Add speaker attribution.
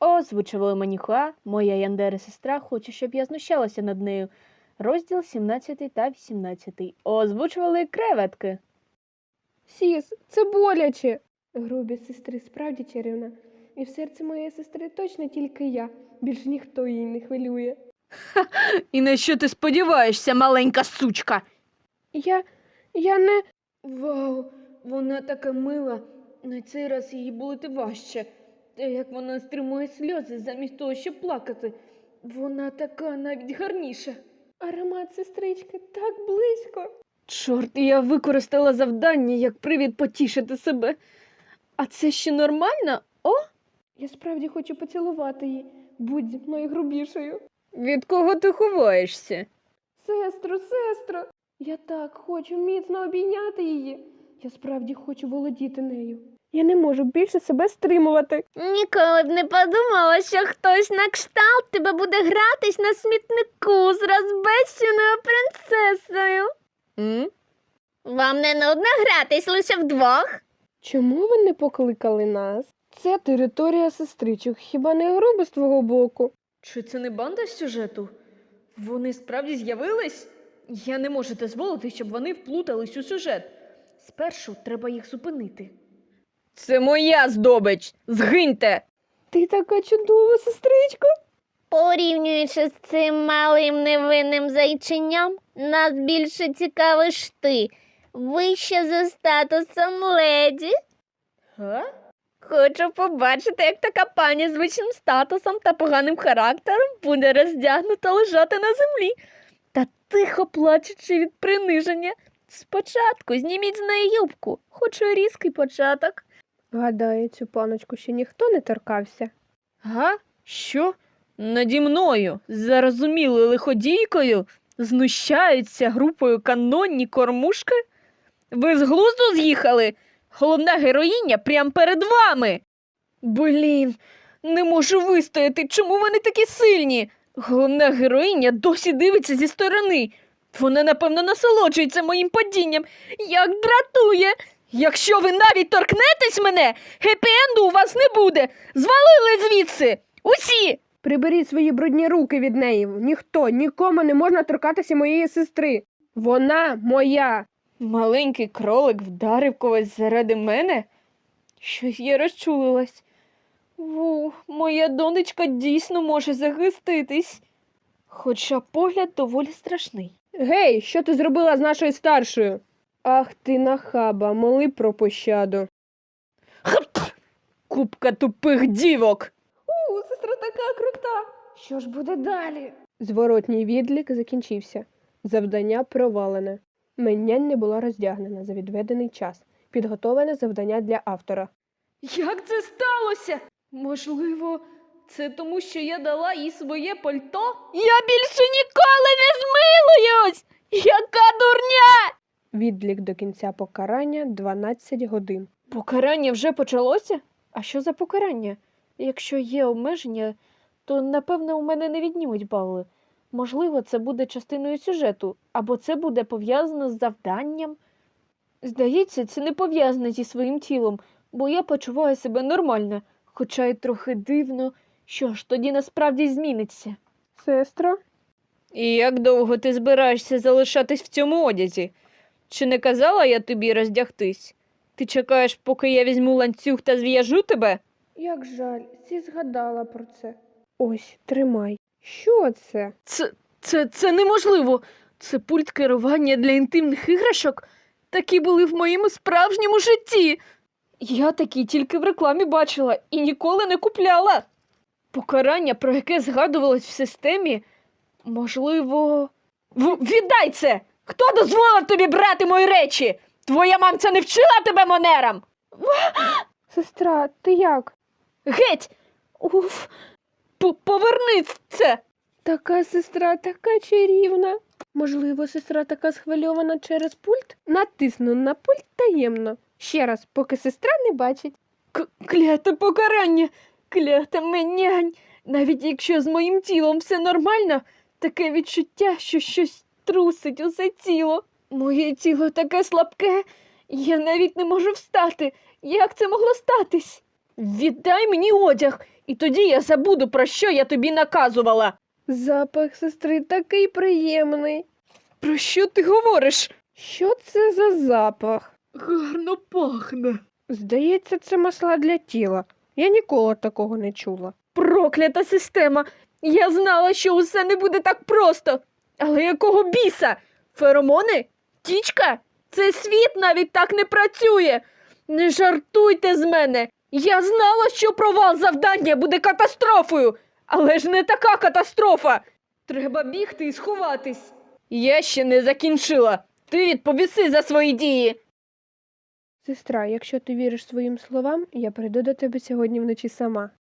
Speaker 1: Озвучували Манюха, моя Яндера-сестра хоче, щоб я знущалася над нею. Розділ 17 та 18. Озвучували креветки.
Speaker 2: Сіс, це боляче. Грубість сестри справді чарівна. І в серці моєї сестри точно тільки я. Більш ніхто її не хвилює.
Speaker 1: І на що ти сподіваєшся, маленька сучка?
Speaker 2: Я не...
Speaker 1: Вау, вона така мила. На цей раз її болити важче. Та як вона стримує сльози замість того, щоб плакати. Вона така навіть гарніша.
Speaker 2: Аромат сестрички так близько.
Speaker 1: Чорт, я використала завдання як привід потішити себе. А це ще нормально? О?
Speaker 2: Я справді хочу поцілувати її. Будь зі мною грубішою.
Speaker 1: Від кого ти ховаєшся?
Speaker 2: Сестро, я так хочу міцно обійняти її. Я справді хочу володіти нею. Я не можу більше себе стримувати.
Speaker 3: Ніколи б не подумала, що хтось на кшталт тебе буде гратись на смітнику з розбещеною принцесою. Вам не нудно гратись лише вдвох?
Speaker 2: Чому ви не покликали нас? Це територія сестричок, хіба не грубо з твого боку?
Speaker 1: Чи це не банда з сюжету? Вони справді з'явились? Я не можу дозволити, щоб вони вплутались у сюжет. Спершу треба їх зупинити. Це моя здобич! Згиньте!
Speaker 2: Ти така чудова, сестричко.
Speaker 3: Порівнюючи з цим малим невинним зайченям, нас більше цікавиш ти. Вище за статусом леді.
Speaker 1: Га?
Speaker 3: Хочу побачити, як така пані з вищим статусом та поганим характером буде роздягнута лежати на землі.
Speaker 1: Та тихо плачучи від приниження. Спочатку зніміть з неї юбку, хочу різкий початок.
Speaker 2: Гадаю, цю паночку ще ніхто не торкався.
Speaker 1: Га? Що? Наді мною, зарозумілою лиходійкою, знущаються групою канонні кормушки? Ви з глузду з'їхали? Головна героїня прямо перед вами. Блін, не можу вистояти, чому вони такі сильні? Головна героїня досі дивиться зі сторони. Вона, напевно, насолоджується моїм падінням. Як дратує! Якщо ви навіть торкнетесь мене, хеппі-енду у вас не буде. Звалили звідси! Усі!
Speaker 2: Приберіть свої брудні руки від неї. Ніхто, нікому не можна торкатися моєї сестри. Вона моя.
Speaker 1: Маленький кролик вдарив когось заради мене? Щось я розчулилась. Моя донечка дійсно може захиститись. Хоча погляд доволі страшний.
Speaker 2: Гей, що ти зробила з нашою старшою? Ах ти нахаба, моли про пощаду.
Speaker 1: Хап! Купка тупих дівок!
Speaker 2: Сестра така крута. Що ж буде далі? Зворотній відлік закінчився. Завдання провалене. Менянь не була роздягнена за відведений час. Підготовлене завдання для автора.
Speaker 1: Як це сталося? Можливо, це тому, що я дала їй своє пальто? Я більше ніколи не змилуюсь! Яка дурня!
Speaker 2: Відлік до кінця покарання 12 годин.
Speaker 1: Покарання вже почалося? А що за покарання? Якщо є обмеження, то, напевно, у мене не віднімуть бали. Можливо, це буде частиною сюжету, або це буде пов'язано з завданням. Здається, це не пов'язано зі своїм тілом, бо я почуваю себе нормально, хоча й трохи дивно. Що ж, тоді насправді зміниться.
Speaker 2: Сестро?
Speaker 1: І як довго ти збираєшся залишатись в цьому одязі? Чи не казала я тобі роздягтись? Ти чекаєш, поки я візьму ланцюг та зв'яжу тебе?
Speaker 2: Як жаль, Сі згадала про це. Ось, тримай. Що це?
Speaker 1: Це неможливо. Це пульт керування для інтимних іграшок. Такі були в моєму справжньому житті. Я такі тільки в рекламі бачила і ніколи не купляла. Покарання, про яке згадувалось в системі, можливо... Віддай це! Хто дозволив тобі брати мої речі? Твоя мамця не вчила тебе манерам?
Speaker 2: Сестра, ти як?
Speaker 1: Геть! Уф! Поверни це!
Speaker 2: Така сестра, така чарівна. Можливо, сестра така схвильована через пульт? Натисну на пульт таємно. Ще раз, поки сестра не бачить.
Speaker 1: Кляте покарання! Клята менянь! Навіть якщо з моїм тілом все нормально, таке відчуття, що щось трусить усе тіло. Моє тіло таке слабке, я навіть не можу встати. Як це могло статись? Віддай мені одяг, і тоді я забуду, про що я тобі наказувала.
Speaker 2: Запах сестри такий приємний.
Speaker 1: Про що ти говориш?
Speaker 2: Що це за запах?
Speaker 1: Гарно пахне.
Speaker 2: Здається, це масла для тіла. Я ніколи такого не чула.
Speaker 1: Проклята система. Я знала, що усе не буде так просто. Але якого біса? Феромони? Тічка? Цей світ навіть так не працює. Не жартуйте з мене. Я знала, що провал завдання буде катастрофою. Але ж не така катастрофа. Треба бігти і сховатись. Я ще не закінчила. Ти відповіси за свої дії.
Speaker 2: Сестра, якщо ти віриш своїм словам, я прийду до тебе сьогодні вночі сама.